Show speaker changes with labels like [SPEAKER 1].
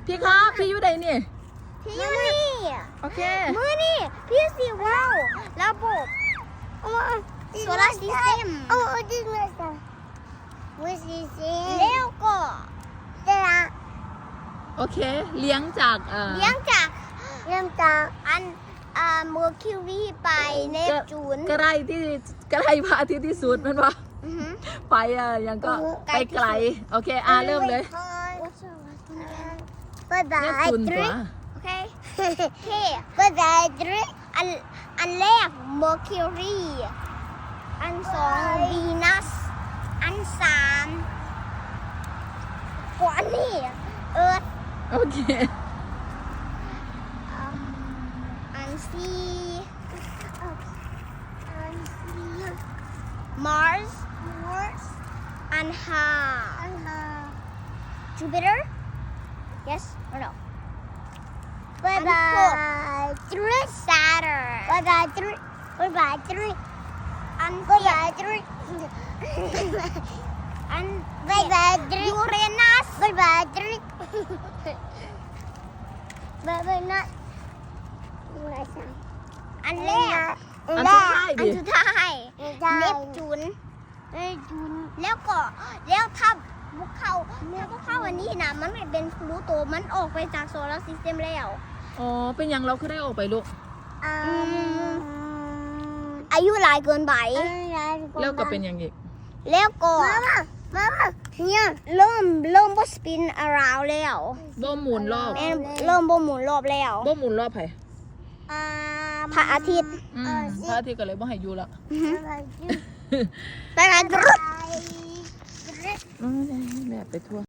[SPEAKER 1] พี่ครับพี่อยู่ไหนนี่
[SPEAKER 2] พี่อยู่นี่
[SPEAKER 1] โอเค
[SPEAKER 2] มือนี่พี่สิว้าวระบบโซลาร์ซิสเต็มจริงเลยจ้ะแล้วก็จะ
[SPEAKER 1] โอเคเลี้ยงจาก
[SPEAKER 2] เลี้ยงจากอันเมอร์คิวรีไปเนปจูน
[SPEAKER 1] ใกล้พระอาทิตย์ที่สุดมันว่าไปยังก็ไปไกลโอเคเริ่มเลย
[SPEAKER 2] บายบา
[SPEAKER 1] เนป
[SPEAKER 2] ย
[SPEAKER 1] จูนตัว
[SPEAKER 2] โอเคบายบายอันแรกเมอร์คิวรีอันสองวีนัสอันสามกว่านี่เอิร์ธ
[SPEAKER 1] โอเค
[SPEAKER 2] อันสี่Mars อันห้าJupiter yes or no Bye bye Saturn Bye byeอันสี่อันUranus Bye byeอันแรก
[SPEAKER 1] อันสุดท้ายดิ
[SPEAKER 2] อันสุดท้ายเนปจูนแล้วถ้าพวกเขาอันนี้นะมันไม่เป็นพลูโตมันออกไปจากโซลาร์ซิสเต็มแล้ว
[SPEAKER 1] อ๋อเป็นยังเราคือได้ออกไปลูก
[SPEAKER 2] อายุหลายเกินไป
[SPEAKER 1] แล้วก็เป็นยังอีก
[SPEAKER 2] แล้วก็เนี่ยเริ่มบ่สปินอาราวแล้ว
[SPEAKER 1] บ่หมุนรอบ
[SPEAKER 2] เริ่มบ่หมุนรอบแล้ว
[SPEAKER 1] บ่หมุนรอบไผ
[SPEAKER 2] พระอาทิตย์
[SPEAKER 1] พระอาทิตย์ก็เลยบ่ให้อยู่ละ
[SPEAKER 2] ไปกัน
[SPEAKER 1] แบบไปทั่ว